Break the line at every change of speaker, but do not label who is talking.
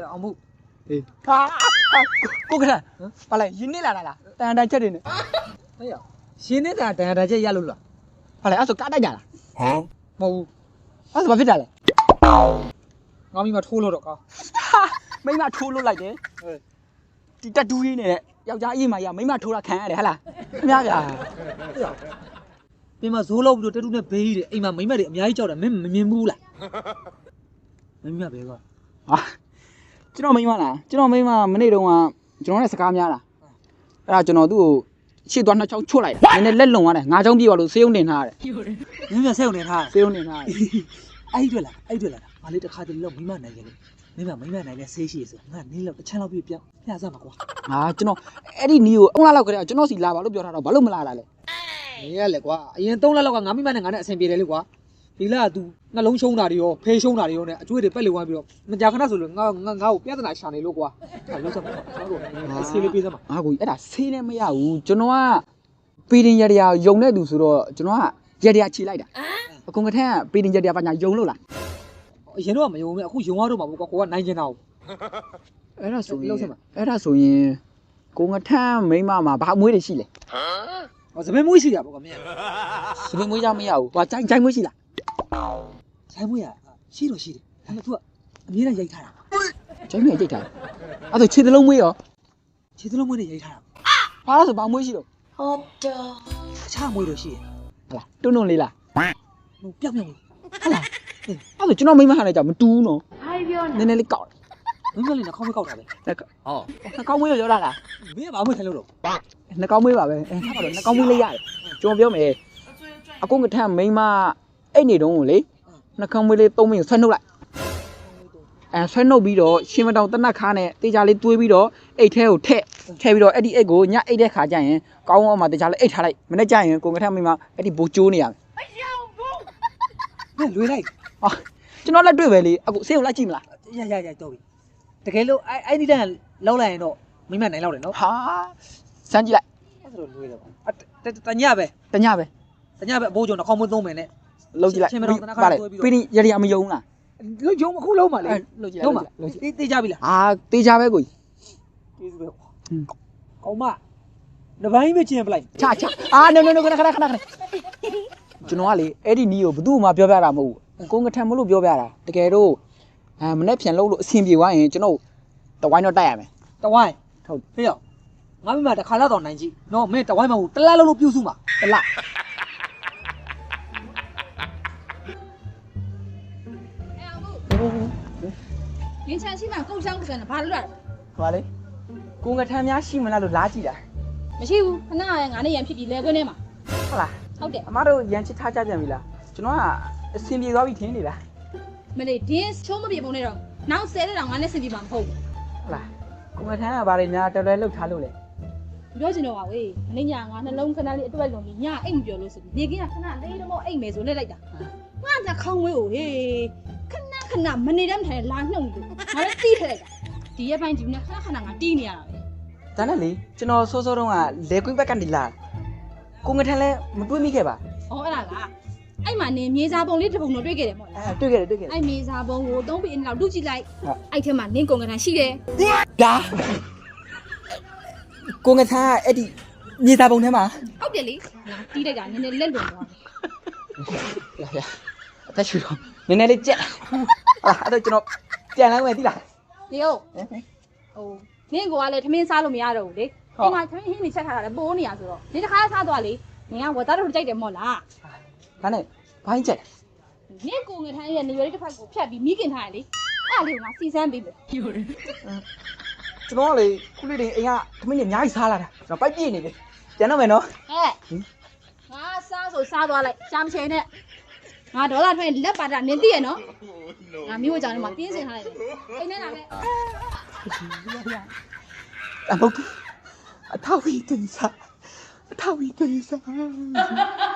အောင်မှု
ဟာကိုကရပါလေရင်းနေလာလားတန်တန်ချက်တွေနဲ့
ဟဲ့ရရှင်းနေတာတန်တန်ချက်ရလို့လား
ပါလေအဲ့ဆိုကားတိုက်ကြလား
မဟုတ်ဘူး
အဲ့ဆိုဘာဖြစ်တာလဲ
ငါမိမထိုးလို့တော့ကောင်း
မိမထိုးလို့လိုက်တယ်ဒီတက်တူးကြီးနဲ့ယောက်ျားအေးမရမိမထိုးတာခံရတယ်ဟဟလားခင်ဗျားဗျာ
ပြင်မှာဇိုးလောက်ပြီးတော့တက်တူးနဲ့ဘေးကြီးတယ်အိမ်မှာမိမတွေအများကြီးကြောက်တယ်မင်းမမြင်ဘူးလားမိမပဲကွာ
ဟာကျွန်တော်မိမလားကျွန်တော်မိမမနေ့တုန်းကကျွန်တော်နဲ့စကားများလားအဲ့ဒါကျွန်တော်သူ့ကိုရှေ့သွားနှစ်ချောင်းချွတ်လိုက်တယ်နည်းနည်းလက်လုံသွားတယ်ငါးချောင်းပြေးသွားလို့ဆေးရုံတင်ထားရတယ်
မင်းမဆက်ုံနေထား
ဆေးရုံတင်ထားရတယ်
အဲ့တွေ့လားငါလေးတစ်ခါတည်းလောက်မိမနိုင်တယ်လေမိမနိုင်လဲဆေးရှိရဆိုငါနင်းလောက်တစ်ချမ်းလောက်ပြပြစမှာကွာ
ဟာကျွန်တော်အဲ့ဒီနီးကိုအုံးလာလောက်ခရဲကျွန်တော်စီလာပါလို့ပြောထားတော့ဘာလို့မလာတာလဲ
နေရလေကွာအရင်3လလောက်ကငါမိမနဲ့ငါနဲ့အဆင်ပြေတယ်လေကွာဒီလက तू နှလုံးရှုံးတာတွေရောဖေးရှုံးတာတွေရောနဲ့အကျွေးတွေပက်လေဝိုင်းပြီးတော့မကြာခဏဆိုလို့ငါ့ကိုပြဿနာရှာနေလို့ကွာအဲ့လောက်စမ်းကျွန်တော်တို့ဆေးလေးပေးစမ်းပါ
ဟာကိုကြီးအဲ့ဒါဆေးလည်းမရဘူးကျွန်တော်ကပီတင်ရရယုံတဲ့သူဆိုတော့ကျွန်တော်ကရရခြေလိုက်တာအကုန်ကထက်ကပီတင်ရရပါညာယုံလို့လား
အရင်တော့မယုံဘူးအခုယုံရတော့မှာပေါ့ကွာကိုကနိုင်ကျင်တာကို
အဲ့ဒါဆိုရင်ကိုငထမ်းမိမမှာဘာအမွေးတွေရှိလဲ
ဟောစပင်းမွေးရှိတာပေါ့ကွာမင်း
စပင်းမွေးကြမရဘူးဟိုကြိုင်မွေးရှိလား
ဆိုင်မွေးရရှိတော့ရှိတယ်ဒါပေမဲ့ तू ကအမြဲတမ်းရိုက်ထားတာ
ကြိုင်မွေးကြိတ်ထားအဲ့ဒါခြေသလုံးမွေးရော
ခြေသလုံးမွေးနဲ့ရိုက်ထားတာ
ဘာလို့ဆိုဘာမွေးရှိတော့
ဟုတ်တော့
အခြားမွေးတော့ရှိတယ်
ဟလားတွန်းလေးလား
ဟိုပြောက်ပြောက်
ဟလားအဲ့ဒါကျွန်တော်မိမဟာလည်းကြောက်မတူးနော်
ဘာပြော
နည်းနည်းလေးကောက်
မင်းကလည်းနှာခေါင်းမကောက်တာပဲ
နှကောင်းမွေးရောတာလား
မင်းကဘာမှမထိုင်လို့တော့
နှကောင်းမွေးပါပဲအဲထားပါတော့နှကောင်းမွေးလေးရတယ်ကျွန်တော်ပြောမယ်အကုန်ကထမ်းမိမအဲ့နေတုန်းကိုလေနှကောင်းမွေးလေး3မိနစ်ဆွဲနှုတ်လိုက်အဲဆွဲနှုတ်ပြီးတော့ရှင်မတောင်တနတ်ခါနဲ့တေချာလေးတွေးပြီးတော့အိတ်ထဲကိုထည့်ပြီးတော့အဲ့ဒီအိတ်ကိုညအိတ်တဲ့ခါကျရင်ကောင်းအောင်မှတေချာလေးအိတ်ထားလိုက်မနေ့ကျရင်ကိုကထမ်းမိမအဲ့ဒီဘိုးကျိုးနေရမယ်
မင်းလွေလိုက်
ဟာကျွန်တော်လက်တွေ့ပဲလေအခုဆေးကိုလိုက်ကြည့်မလား
ရတော့ပြီတကယ်လို့အဲ့ဒီတန်းလောက်လိုက်ရင်တော့မိမနိုင်လောက်တယ်နော်
ဟာစမ်းကြည့်လိုက်
အဲ့ဒါတော့လွေတယ်ပေါ့တညပဲ
တညပဲ
အဘိုးကျော်နှာခေါင်းမသုံးမယ်နဲ့
လှုပ်ကြည့်လိုက်ပါလေပြီးရင်ရရမယုံလား
လုံးကျုံအခုလုံးပါလေ
လှုပ်ကြည့်လိုက်
လုံးပါတေးကြပြီလား
ဟာတေချာပဲကိုကြီး
ကျေးဇူးပဲကောင်းမတပိုင်းပဲကျင်ပလိုက်
ချအာnoခဏကျွန်တော်ကလေအဲ့ဒီနီးကိုဘသူ့မှပြောပြတာမဟုတ်ဘူးကိုငထံမလို့ပြောပြတာတကယ်တော့မနေ့ပြန်လို့အဆင်ပြေသွားရင်ကျွန်တော်တဝိုင်းတော့တိုက်ရမယ်
တဝိုင်းဟုတ်ဖေးရောငါမိမတစ်ခါလောက်တော့နိုင်ကြည့်နော်မင်းတဝိုင်းမဟုတ်တလားလို့ပြုစုမှာတလား
ငင်းချမ်းရှိမှကုတ်ချောင်းကန်ဘာလို့လဲ
ဟောလေကိုငထံများရှိမလားလို့လားကြည့်တာ
မရှိဘူးခဏငါနဲ့ရန်ဖြစ်ပြီးလဲခွင်းထဲမှာ
ဟုတ်လား
ဟုတ်တယ်
အမတို့ရန်ချစ်ထားကြပြန်ပြီလားကျွန်တော်ကအဆင်ပြေသွားပြီထင်နေလား
မလေးဒင်းချုံးမပြေပုံနဲ့တော့နောက်10တဲ့တော့ငါနဲ့ဆင်ပြေမှာမဟုတ်ဘူး
ဟုတ်လားကိုငထံကဘာတွေများတော်တော်လှုပ်ထားလို့လဲ
ပြောချင်တော့ပါဝေးမနေ့ညငါနှလုံးခဏလေးအတွက်လုံးပြီးညအိတ်မပြောလို့ဆိုပြီးနေကင်းကခဏလေးတော့အိတ်မယ်ဆိုလက်လိုက်တာငါကခေါင်းဝေးကိုဟေးခဏမနေတမ်းထိုင်လာနှုတ်နေလို့ငါလည်းတီးထလိုက်တာဒီရက်ပိုင်းဒီနေ့ခဏငါတီးနေရတာပဲ
ဒါနဲ့လေကျွန်တော်စောစောတုန်းကလေကွင်းဘက်ကနေလာကိုငထံလည်းမတွေးမိခဲ့ပါ
ဩအဲ့ဒါကအဲ့မှာနေမြေစာပုံလေးတစ်ပုံတော့တွေ့ခဲ့တယ်မို့လား
တွေ့ခဲ့တယ်
အဲ့မြေစာပုံကို3ပေအင်းလောက်လူကြည့်လိုက်အဲ့ထဲမှာနင်းကုန်ကန်ရှိတယ်
ဒါကိုငထံကအဲ့ဒီမြေသားပုံထဲမှာ
ဟုတ်တယ်လေငါတီးလိုက်တာနည်းနည်းလက်လွန်သွားတယ်
ရအသက်ရှူတော့နည်းနည်းလေးကြက်ဟာအဲ့တော့ကျွန်တော်ပြန်လာမယ်သိလား
နေဟုတ်ဟိုနင်းကိုကလည်းထမင်းစားလို့မရတော့ဘူးလေဒီမှာထမင်းဟင်းနေချက်ထားတာလည်းပိုးနေရဆိုတော့ဒီတစ်ခါစားသွားလေနင်ကဝတ်သားတို့ကြိုက်တယ်မို့လား
ဒါနဲ့ဘိုင်းကြက်
နင်းကိုငထမ်းရဲ့နေရွယ်လေးတစ်ဖက်ကိုဖြတ်ပြီးမိခင်ထားရလေအဲ့လေးကငါစီစမ်းပေးမယ်
ကျွန်တော်ကလေခုလေးတွေအိမ်ကသမင်းတွေအများကြီးစားလာတာကျွန်တော်ပိုက်ပြည့်နေပြီပြန်တော့မယ်နော်
ဟဲ့ငါစားဆိုစားသွားလိုက်ရှားမချင်နဲ့ငါဒေါ်လာထွက်လက်ပါတာနင်သိရနော်ငါမျိုးကြောင်ထဲမှာတင်းစင်ထားလိုက်တယ်အိမ်ထဲလာပဲ
အမဟုတ်အထာဝီတင်စား